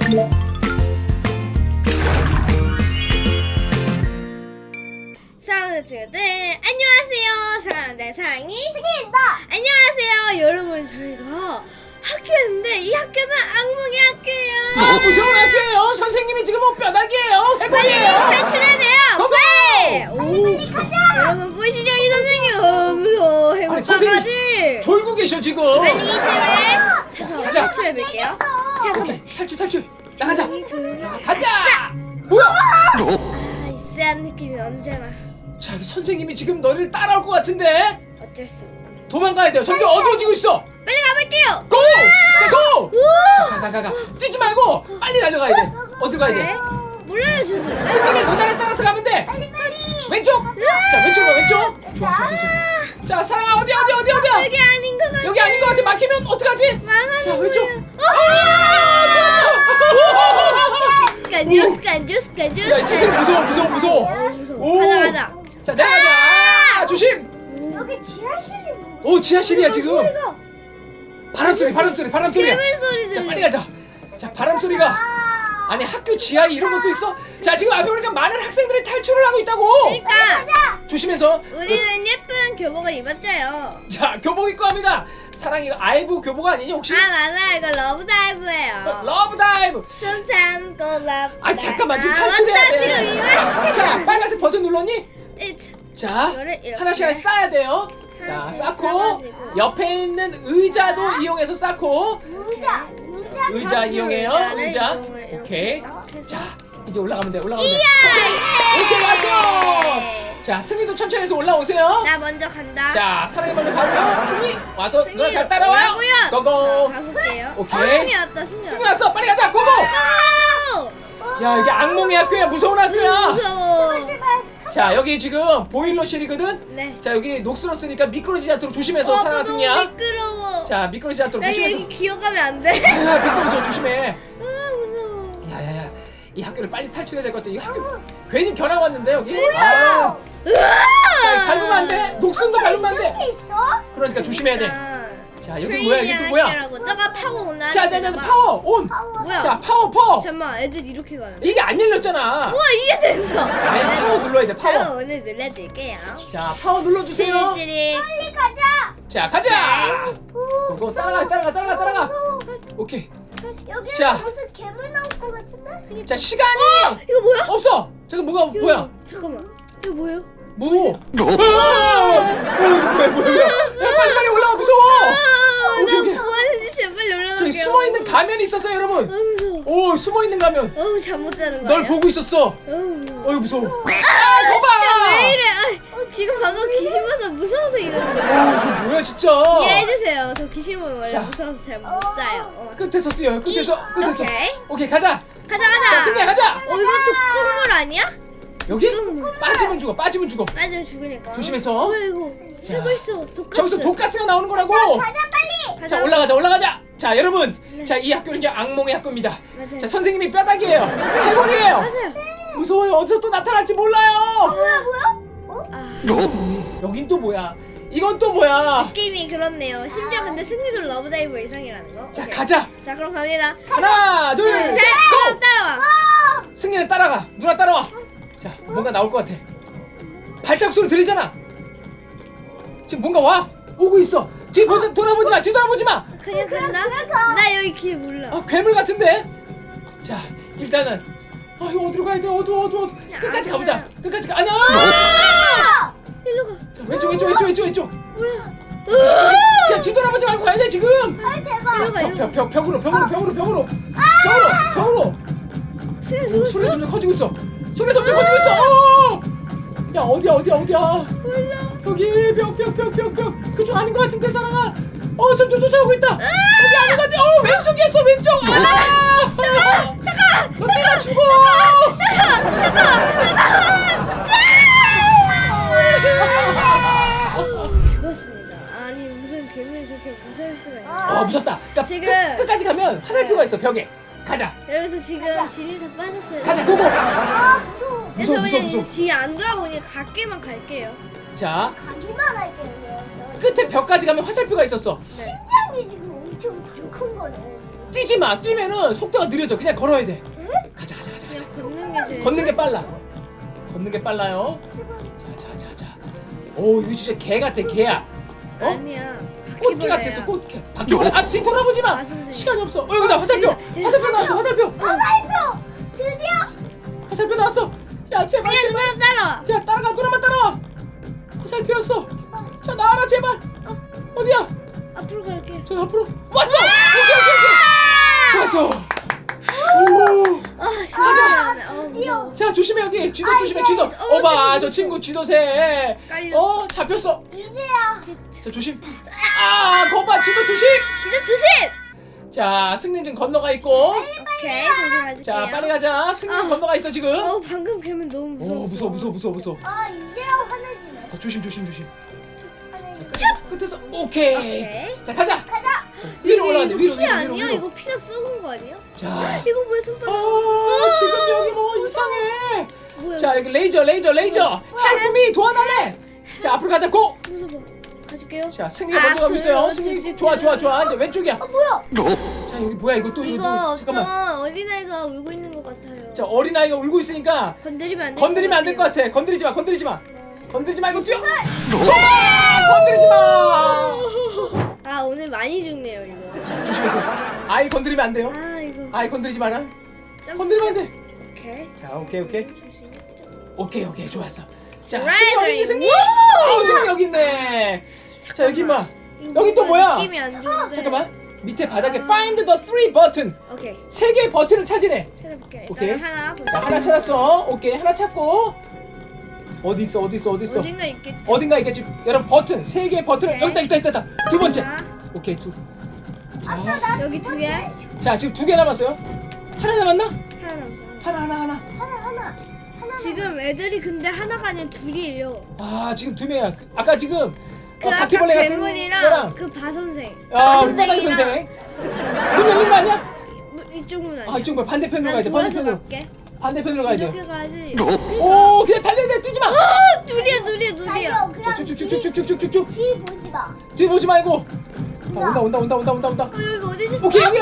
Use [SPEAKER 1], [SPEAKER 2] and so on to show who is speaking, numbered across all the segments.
[SPEAKER 1] 사랑하는 친구들 안녕하세요. 사랑하는 사랑이 승희입니다. 안녕하세요 여러분. 저희가 학교였는데 이 학교는 악몽의 학교예요.
[SPEAKER 2] 무서운 학교예요. 선생님이 지금 뼈다귀예요.
[SPEAKER 1] 빨리
[SPEAKER 2] 해골이에요.
[SPEAKER 1] 탈출해야 돼요.
[SPEAKER 2] 고고!
[SPEAKER 1] 네. 빨리 가자. 여러분 보이시죠 이 선생님? 무서워. 해골
[SPEAKER 2] 아니, 선생님
[SPEAKER 1] 강아지.
[SPEAKER 2] 졸고 계셔 지금.
[SPEAKER 1] 빨리 이 팀을 타서
[SPEAKER 2] 가자.
[SPEAKER 1] 탈출해볼게요. 잠깐만.
[SPEAKER 2] 오케이, 탈출. 나가자.
[SPEAKER 1] 조용히.
[SPEAKER 2] 가자. 뭐야?
[SPEAKER 1] 쎄한 느낌이 언제나.
[SPEAKER 2] 자, 선생님이 지금 너를 따라올 것 같은데
[SPEAKER 1] 어쩔 수 없고.
[SPEAKER 2] 도망가야 돼요. 점점 어두워지고 있어.
[SPEAKER 1] 빨리 가볼게요.
[SPEAKER 2] 고! 자, 고! 자, 가. 뛰지 말고 빨리 달려가야 돼. 어디 가야 돼?
[SPEAKER 1] 몰라요 저는.
[SPEAKER 2] 승민이 누나를 따라서 가면 돼.
[SPEAKER 1] 빨리.
[SPEAKER 2] 왼쪽. 자, 왼쪽 가 왼쪽. 좋아. 자, 사랑아 어디야?
[SPEAKER 1] 여기 아닌 것 같아.
[SPEAKER 2] 여기 아닌 것 같아. 막히면 어떡하지?
[SPEAKER 1] 망하는
[SPEAKER 2] 자, 왼쪽.
[SPEAKER 1] 스칸주스.
[SPEAKER 2] 야, 이 선생님 무서워. 오.
[SPEAKER 1] 가자.
[SPEAKER 2] 자, 내려가자. 조심.
[SPEAKER 1] 여기 지하실이.
[SPEAKER 2] 오, 지하실이야 지금.
[SPEAKER 1] 소리가.
[SPEAKER 2] 바람 소리.
[SPEAKER 1] 괴물 소리
[SPEAKER 2] 자,
[SPEAKER 1] 들려.
[SPEAKER 2] 빨리 가자. 자, 바람 소리가. 아니, 학교 지하에 이런 것도 있어? 자, 지금 앞에 보니까 많은 학생들이 탈출을 하고 있다고.
[SPEAKER 1] 그러니까
[SPEAKER 2] 조심해서.
[SPEAKER 1] 우리는 예쁜 교복을 입었죠요.
[SPEAKER 2] 자, 교복 입고 합니다. 사랑이 이거 아이브 교복 아니니 혹시?
[SPEAKER 1] 아 맞아, 이거 러브 다이브예요.
[SPEAKER 2] 러브 다이브.
[SPEAKER 1] 숨 참고 러브.
[SPEAKER 2] 아, 잠깐만 좀
[SPEAKER 1] 맞다,
[SPEAKER 2] 탈출해야 돼.
[SPEAKER 1] 지금 이거.
[SPEAKER 2] 자, 빨간색 버튼 눌렀니?
[SPEAKER 1] 이-
[SPEAKER 2] 자,
[SPEAKER 1] 이거를 이렇게.
[SPEAKER 2] 하나씩 쌓아야 돼요. 자,
[SPEAKER 1] 하나씩
[SPEAKER 2] 쌓고
[SPEAKER 1] 쌓아가지고.
[SPEAKER 2] 옆에 있는 의자도 이용해서 쌓고. 의자 이용해요. 의자. 오케이. 자, 이제 올라가면 돼. 천천히. 오케이, 왔어. 자, 승희도 천천히 해서 올라오세요.
[SPEAKER 1] 나 먼저 간다.
[SPEAKER 2] 자, 사랑이 먼저 가고요. 승희 와서
[SPEAKER 1] 승희,
[SPEAKER 2] 누나 잘 따라와요.
[SPEAKER 1] 오라고요.
[SPEAKER 2] 고고.
[SPEAKER 1] 자, 가볼게요.
[SPEAKER 2] 오케이.
[SPEAKER 1] 승희 왔다.
[SPEAKER 2] 승희 왔어. 빨리 가자. 고고.
[SPEAKER 1] 고!
[SPEAKER 2] 야, 이게 악몽의 학교야. 무서운 학교야.
[SPEAKER 1] 무서워.
[SPEAKER 2] 자, 여기 지금 보일러실이거든.
[SPEAKER 1] 네.
[SPEAKER 2] 자, 여기 녹슬었으니까 미끄러지지 않도록 조심해서 사랑아
[SPEAKER 1] 너무
[SPEAKER 2] 승희야.
[SPEAKER 1] 미끄러워.
[SPEAKER 2] 자, 미끄러지지 않도록
[SPEAKER 1] 나
[SPEAKER 2] 조심해서.
[SPEAKER 1] 여기 기어가면 안 돼.
[SPEAKER 2] 아, 미끄러져. 조심해.
[SPEAKER 1] 아 무서워.
[SPEAKER 2] 야야야, 이 학교를 빨리 탈출해야 될 것 같아. 이 학교 괜히 견학 왔는데 여기.
[SPEAKER 1] 으아!
[SPEAKER 2] 자, 밟으면 안 돼. 녹슨도 밟으면 안 돼.
[SPEAKER 1] 있어?
[SPEAKER 2] 그러니까 조심해야 돼. 자, 여기 뭐야? 이게 또 뭐야?
[SPEAKER 1] 저거 파워 온나?
[SPEAKER 2] 자, 파워 온.
[SPEAKER 1] 뭐야?
[SPEAKER 2] 자, 파워.
[SPEAKER 1] 잠깐만, 애들 이렇게 가는.
[SPEAKER 2] 이게 안 열렸잖아.
[SPEAKER 1] 우와, 이게 된다.
[SPEAKER 2] 아니, 파워 눌러야 돼. 파워.
[SPEAKER 1] 오늘 눌러줄게요.
[SPEAKER 2] 자, 파워 눌러주세요.
[SPEAKER 1] 찌릿찌릿. 빨리 가자.
[SPEAKER 2] 자, 가자. 그거 따라가. 오케이.
[SPEAKER 1] 여기
[SPEAKER 2] 자.
[SPEAKER 1] 무슨 괴물 나올 것 같은데?
[SPEAKER 2] 자, 시간이
[SPEAKER 1] 이거 뭐야?
[SPEAKER 2] 없어. 잠깐 뭐야?
[SPEAKER 1] 잠깐만. 이거 뭐예요?
[SPEAKER 2] 뭐? 뭐야? 야, 빨리 올라와. 무서워.
[SPEAKER 1] 나
[SPEAKER 2] 오케이.
[SPEAKER 1] 뭐하는지 제발 올라갈게요.
[SPEAKER 2] 저기 숨어있는 가면이 있었어요, 여러분.
[SPEAKER 1] 무서워.
[SPEAKER 2] 오, 숨어있는 가면.
[SPEAKER 1] 잠 못 자는 거야.
[SPEAKER 2] 널 보고 있었어.
[SPEAKER 1] 무서워.
[SPEAKER 2] 어이, 무서워.
[SPEAKER 1] 진짜
[SPEAKER 2] 거봐.
[SPEAKER 1] 왜 이래? 지금 방금 귀신 봐서 무서워서 이러는 거야.
[SPEAKER 2] 저 뭐야, 진짜.
[SPEAKER 1] 이해해주세요. 저 귀신 보면 원래
[SPEAKER 2] 자.
[SPEAKER 1] 무서워서 잘 못 자요.
[SPEAKER 2] 끝에서 뛰어요, 끝에서.
[SPEAKER 1] 오케이.
[SPEAKER 2] 오케이, 가자.
[SPEAKER 1] 가자.
[SPEAKER 2] 승리야, 가자.
[SPEAKER 1] 이거 족국물 아니야?
[SPEAKER 2] 여기?
[SPEAKER 1] 족국물.
[SPEAKER 2] 빠지면 죽어.
[SPEAKER 1] 빠지면 죽으니까.
[SPEAKER 2] 조심해서.
[SPEAKER 1] 뭐야 이거? 새고 있어. 독가스.
[SPEAKER 2] 저기서 독가스가 나오는 거라고.
[SPEAKER 1] 가자 빨리.
[SPEAKER 2] 자, 올라가자. 자, 여러분. 자, 이 학교는 이제 악몽의 학교입니다.
[SPEAKER 1] 맞아요.
[SPEAKER 2] 자, 선생님이 뼈다귀예요. 해골이에요.
[SPEAKER 1] 맞아요.
[SPEAKER 2] 무서워요. 어디서 또 나타날지 몰라요.
[SPEAKER 1] 뭐야? 아,
[SPEAKER 2] 여긴 또 뭐야? 이건 또 뭐야?
[SPEAKER 1] 느낌이 그렇네요. 심지어 근데 승리도 러브다이브 이상이라는 거.
[SPEAKER 2] 자,
[SPEAKER 1] 오케이.
[SPEAKER 2] 가자.
[SPEAKER 1] 자, 그럼 갑니다.
[SPEAKER 2] 하나, 둘,
[SPEAKER 1] 둘,
[SPEAKER 2] 셋,
[SPEAKER 1] 셋.
[SPEAKER 2] 고!
[SPEAKER 1] 따라와.
[SPEAKER 2] 승리는 따라가. 누나 따라와. 자, 뭔가 나올 것 같아. 발자국 소리 들리잖아. 지금 뭔가 와. 오고 있어. 뒤돌아보지 마.
[SPEAKER 1] 그냥 간다. 나 여기 길 몰라.
[SPEAKER 2] 아, 괴물 같은데. 자, 일단은 이거 어디로 가야 돼? 어두워. 끝까지 가보자. 끝까지 가. 아니야.
[SPEAKER 1] 일로 가.
[SPEAKER 2] 자, 왼쪽.
[SPEAKER 1] 몰라.
[SPEAKER 2] 야, 뒤돌아보지 말고 가야 돼 지금.
[SPEAKER 1] 일로 가.
[SPEAKER 2] 벽으로.
[SPEAKER 1] 승리
[SPEAKER 2] 소리가
[SPEAKER 1] 죽었어?
[SPEAKER 2] 점점 커지고 있어. 어! 야, 어디야?
[SPEAKER 1] 몰라.
[SPEAKER 2] 여기 벽. 그쪽 아닌 것 같은데, 사랑아. 점점 쫓아오고 있다. 여기 아닌 것 같아. 왼쪽이었어, 왼쪽. 잠깐. 너 때려 죽어.
[SPEAKER 1] 죽었습니다. 아니 무슨 괴물이 그렇게 무서울 수가 있나?
[SPEAKER 2] 무섭다. 그러니까
[SPEAKER 1] 지금-
[SPEAKER 2] 끝까지 가면 화살표가 있어, 벽에. 가자.
[SPEAKER 1] 여기서 지금 진이 다 빠졌어요.
[SPEAKER 2] 가자, 고고.
[SPEAKER 1] 그래서
[SPEAKER 2] 무서워.
[SPEAKER 1] 그냥 뒤에 안 돌아보니 갈게만 갈게요.
[SPEAKER 2] 자,
[SPEAKER 3] 가기만 할게요.
[SPEAKER 2] 끝에 벽까지 가면 화살표가 있었어.
[SPEAKER 1] 네.
[SPEAKER 3] 심장이 지금 엄청 큰 거네.
[SPEAKER 2] 뛰지 마. 뛰면은 속도가 느려져. 그냥 걸어야 돼. 가자.
[SPEAKER 1] 그냥 걷는 게 제일.
[SPEAKER 2] 걷는 게 빨라. 걷는 게 빨라요. 자. 오, 이거 진짜 개 같아. 개야. 어?
[SPEAKER 1] 아니야.
[SPEAKER 2] 꽃게 같았어. 꽃게. 바퀴벌레. 아, 뒤 돌아보지 마.
[SPEAKER 1] 선생님.
[SPEAKER 2] 시간이 없어. 여기다 화살표. 화살표 나왔어. 화살표. 화살표 나왔어. 야, 제발.
[SPEAKER 1] 그냥 누나랑 따라와.
[SPEAKER 2] 야, 따라가. 누나만 따라와. 화살표였어. 자, 나와라 제발. 어디야?
[SPEAKER 1] 앞으로 갈게.
[SPEAKER 2] 저 앞으로. 왔어. 오케이. 왔어. 오.
[SPEAKER 1] 아 진짜. 무서워.
[SPEAKER 2] 자, 조심해 여기. 쥐도 조심해. 쥐도. 어봐, 저 친구 쥐도새.
[SPEAKER 1] 깔려.
[SPEAKER 2] 잡혔어.
[SPEAKER 3] 이제야.
[SPEAKER 2] 자, 조심. 아, 거봐. 쥐도 조심.
[SPEAKER 1] 진짜 조심.
[SPEAKER 2] 자, 승린 지금 건너가 있고.
[SPEAKER 1] 오케이 다시 가줄게요.
[SPEAKER 2] 자, 빨리 가자. 승린
[SPEAKER 1] 아.
[SPEAKER 2] 건너가 있어 지금.
[SPEAKER 1] 방금 걔는 너무 무서워.
[SPEAKER 2] 무서워.
[SPEAKER 3] 이제야 화내지네.
[SPEAKER 2] 자, 조심.
[SPEAKER 3] 화내지네.
[SPEAKER 2] 끝에서 오케이.
[SPEAKER 1] 오케이.
[SPEAKER 2] 자, 가자. 위로 올라가네. 위로.
[SPEAKER 1] 피 아니야? 이거 피가 썩은 거 아니야?
[SPEAKER 2] 자.
[SPEAKER 1] 이거 뭐야 손바닥?
[SPEAKER 2] 지금 여기 뭐 이상해.
[SPEAKER 1] 뭐야?
[SPEAKER 2] 자, 여기 레이저. Help me 도와달래. 자, 앞으로 가자. 고.
[SPEAKER 1] 무서워. 가줄게요.
[SPEAKER 2] 자, 승리가 먼저 가고 있어요. 승리 좋아. 이제 왼쪽이야.
[SPEAKER 3] 뭐야?
[SPEAKER 2] 자, 여기 뭐야 이거 또
[SPEAKER 1] 이거
[SPEAKER 2] 잠깐만.
[SPEAKER 1] 어떤 어린아이가 울고 있는 것 같아요.
[SPEAKER 2] 자, 어린아이가 울고 있으니까
[SPEAKER 1] 건드리면 안 될 것 같아요.
[SPEAKER 2] 건드리지 마. 건드리지 말고 뛰어. 건드리지 마.
[SPEAKER 1] 아 오늘 많이 죽네요 이거.
[SPEAKER 2] 자, 조심해서. 아이 건드리면 안 돼요.
[SPEAKER 1] 아 이거.
[SPEAKER 2] 아이 건드리지 마라.
[SPEAKER 1] 점프.
[SPEAKER 2] 건드리면 안 돼.
[SPEAKER 1] 오케이.
[SPEAKER 2] 자, 오케이. 좋았어. 자,
[SPEAKER 1] Right,
[SPEAKER 2] 승리 어디 있니,
[SPEAKER 1] right.
[SPEAKER 2] 승리? 승리 여기 있네. 자, 여기 마.
[SPEAKER 1] 이거
[SPEAKER 2] 여기 또
[SPEAKER 1] 뭔가
[SPEAKER 2] 뭐야?
[SPEAKER 1] 느낌이 안 좋은데.
[SPEAKER 2] 잠깐만. 밑에 바닥에 Find the three button.
[SPEAKER 1] 오케이.
[SPEAKER 2] 3개의 버튼을 찾으래.
[SPEAKER 1] 찾아볼게.
[SPEAKER 2] 오케이.
[SPEAKER 1] 일단 하나.
[SPEAKER 2] 자, 하나 찾았어. 오케이. 하나 찾고. 어디 있어?
[SPEAKER 1] 어딘가 있겠지.
[SPEAKER 2] 어딘가 있겠지. 여러분 버튼 3개의 버튼을
[SPEAKER 1] 오케이.
[SPEAKER 2] 여기 있다. 두 번째.
[SPEAKER 1] 하나.
[SPEAKER 2] 오케이, 둘.
[SPEAKER 3] 나
[SPEAKER 1] 여기 2개.
[SPEAKER 2] 자, 지금 2개 남았어요. 하나 남았나?
[SPEAKER 1] 하나 남았어.
[SPEAKER 2] 하나.
[SPEAKER 3] 하나.
[SPEAKER 1] 지금 애들이 근데 하나가 아니라 둘이에요.
[SPEAKER 2] 아, 지금 2명이야. 아까 지금
[SPEAKER 1] 그 아까
[SPEAKER 2] 바퀴벌레 같은
[SPEAKER 1] 괴물이랑
[SPEAKER 2] 거랑
[SPEAKER 1] 그 바선생.
[SPEAKER 2] 우리 뽀다기 선생. 문 열린 거 아니야?
[SPEAKER 1] 이쪽 문 아니야.
[SPEAKER 2] 아, 이쪽 뭐 반대편으로 가야 돼.
[SPEAKER 1] 돌아서
[SPEAKER 2] 반대편으로.
[SPEAKER 1] 갈게.
[SPEAKER 2] 반대편으로 가야 돼.
[SPEAKER 1] 이렇게 가야지.
[SPEAKER 2] 오, 그냥 달려야 돼. 뛰지 마.
[SPEAKER 1] 둘이야.
[SPEAKER 3] 달려. 그냥
[SPEAKER 2] 쭉쭉쭉쭉쭉쭉쭉.
[SPEAKER 3] 뒤 보지 마.
[SPEAKER 2] 뒤 보지 말고. 아, 온다.
[SPEAKER 1] 여기 어디지?
[SPEAKER 2] 오케이, 여기.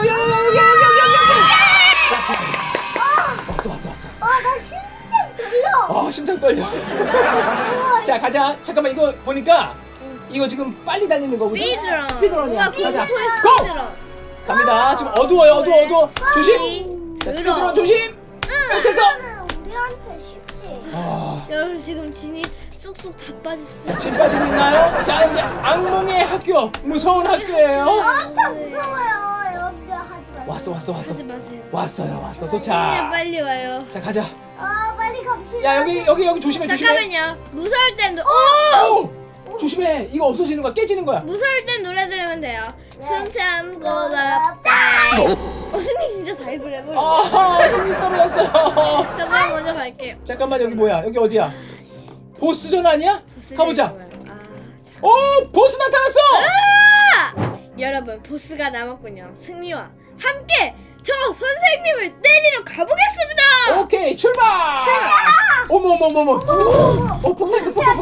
[SPEAKER 2] 왔어.
[SPEAKER 3] 나 심장 들려.
[SPEAKER 2] 심장 떨려. 자, 가자. 잠깐만, 이거 보니까 이거 지금 빨리 달리는 거거든. 스피드런이야.
[SPEAKER 1] 우와,
[SPEAKER 2] 가자.
[SPEAKER 1] 공포의
[SPEAKER 2] 고!
[SPEAKER 1] 스피드런.
[SPEAKER 2] 갑니다. 지금 어두워요. 조심. 자, 스피드런 조심. 끝에서.
[SPEAKER 3] 우리한테 쉽지.
[SPEAKER 1] 여러분 지금 진이 쏙쏙 다 빠졌어요.
[SPEAKER 2] 자, 진 빠지고 있나요? 자, 여기 악몽의 학교. 무서운 학교예요.
[SPEAKER 3] 엄청 무서워요. 여러분들 하지 마.
[SPEAKER 2] 왔어.
[SPEAKER 1] 하지 마세요.
[SPEAKER 2] 왔어요.
[SPEAKER 1] 그냥
[SPEAKER 2] 도착.
[SPEAKER 1] 빨리 와요.
[SPEAKER 2] 자, 가자.
[SPEAKER 3] 빨리 갑시다.
[SPEAKER 2] 야, 여기 조심해.
[SPEAKER 1] 잠깐만요. 무서울 땐 오!
[SPEAKER 2] 조심해. 이거 없어지는 거야. 깨지는 거야.
[SPEAKER 1] 무서울 땐 노래 들으면 돼요. 숨 참고가 승리 진짜 잘 그래버려.
[SPEAKER 2] 승리 떨어졌어요.
[SPEAKER 1] 잠깐 먼저 갈게요.
[SPEAKER 2] 잠깐만, 여기 뭐야? 여기 어디야? 보스전 아니야? 가보자.
[SPEAKER 1] 자.
[SPEAKER 2] 오, 보스 나타났어.
[SPEAKER 1] 여러분 보스가 남았군요. 승리와 함께 저 선생님을 때리러 가보겠습니다.
[SPEAKER 2] 오케이, 출발. 어머. 폭탄 있어. 폭탄.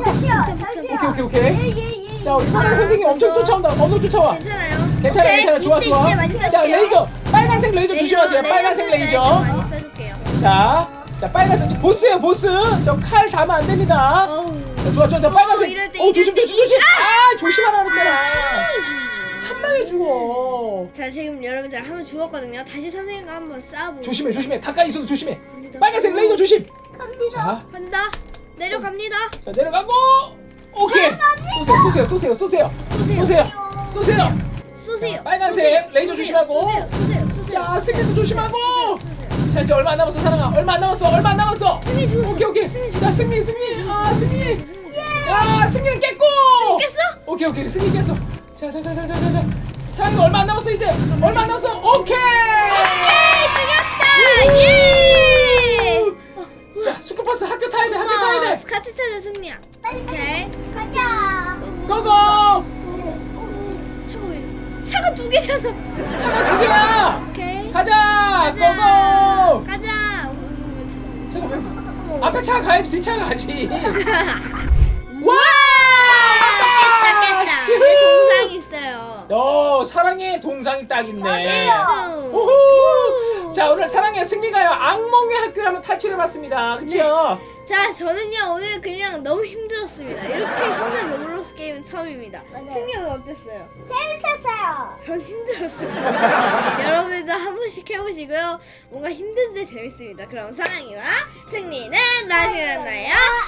[SPEAKER 2] 오케이. 자, 우리 파란 선생님 엄청 쫓아온다. 쫓아와. 괜찮아. 좋아. 자, 레이저. 빨간색 레이저 조심하세요. 빨간색 레이저.
[SPEAKER 1] 많이 써줄게요.
[SPEAKER 2] 자, 빨간색 보스예요, 보스. 저 칼 닿으면 안 됩니다. 자, 좋아. 빨간색.
[SPEAKER 1] 이럴 때
[SPEAKER 2] 조심. 조심하라 그랬잖아. 한 방에 죽어.
[SPEAKER 1] 자 지금 여러분 제가 한번 죽었거든요. 다시 선생님과 한번 싸워보고.
[SPEAKER 2] 조심해. 가까이 있어도 조심해.
[SPEAKER 1] 갑니다.
[SPEAKER 2] 빨간색 레이저 조심.
[SPEAKER 3] 갑니다.
[SPEAKER 2] 자,
[SPEAKER 1] 간다. 내려갑니다.
[SPEAKER 2] 자, 내려가고. 오케이. 쏘세요.
[SPEAKER 1] 쏘세요.
[SPEAKER 2] 빨간색 레이저 조심하고.
[SPEAKER 1] 쏘세요.
[SPEAKER 2] 자, 승리도 조심하고. 자, 이제 얼마 안 남았어, 사랑아. 얼마 안 남았어.
[SPEAKER 1] 승리 죽었어.
[SPEAKER 2] 오케이. 자, 승리. 승리. 야, 승리는 깼고.
[SPEAKER 1] 깼어?
[SPEAKER 2] 오케이. 승리 깼어. 자. 사랑이 얼마 안 남았어, 이제. 얼마 안 남았어. 오케이.
[SPEAKER 1] 죽였다. 예.
[SPEAKER 2] 자, 스쿠버스 학교 타야 돼.
[SPEAKER 1] 스카치 타자 승리야.
[SPEAKER 3] 빨리
[SPEAKER 1] 오케이.
[SPEAKER 3] 가자.
[SPEAKER 2] 고고.
[SPEAKER 1] 차가 왜 이래? 차가 2개잖아.
[SPEAKER 2] 차가 2개야.
[SPEAKER 1] 오케이.
[SPEAKER 2] 가자. 고고.
[SPEAKER 1] 가자.
[SPEAKER 2] 잠깐 왜? 앞에 차가 가야지, 뒤차가 가지. 와!
[SPEAKER 1] 깼다. 내 동상이 있어요.
[SPEAKER 2] 사랑의 동상이 딱 있네.
[SPEAKER 1] 중
[SPEAKER 2] 오호! 자, 오늘 사랑의 승리가요 악몽의 학교를 한번 탈출해봤습니다. 그쵸?
[SPEAKER 1] 자, 저는요 오늘 그냥 너무 힘들었습니다. 이렇게 힘든 로블록스 게임은 처음입니다.
[SPEAKER 3] 맞아요.
[SPEAKER 1] 승리 오늘 어땠어요?
[SPEAKER 3] 재밌었어요.
[SPEAKER 1] 전 힘들었어요. 여러분들도 한 번씩 해보시고요. 뭔가 힘든데 재밌습니다. 그럼 사랑이와 승리는 나중에 만나요.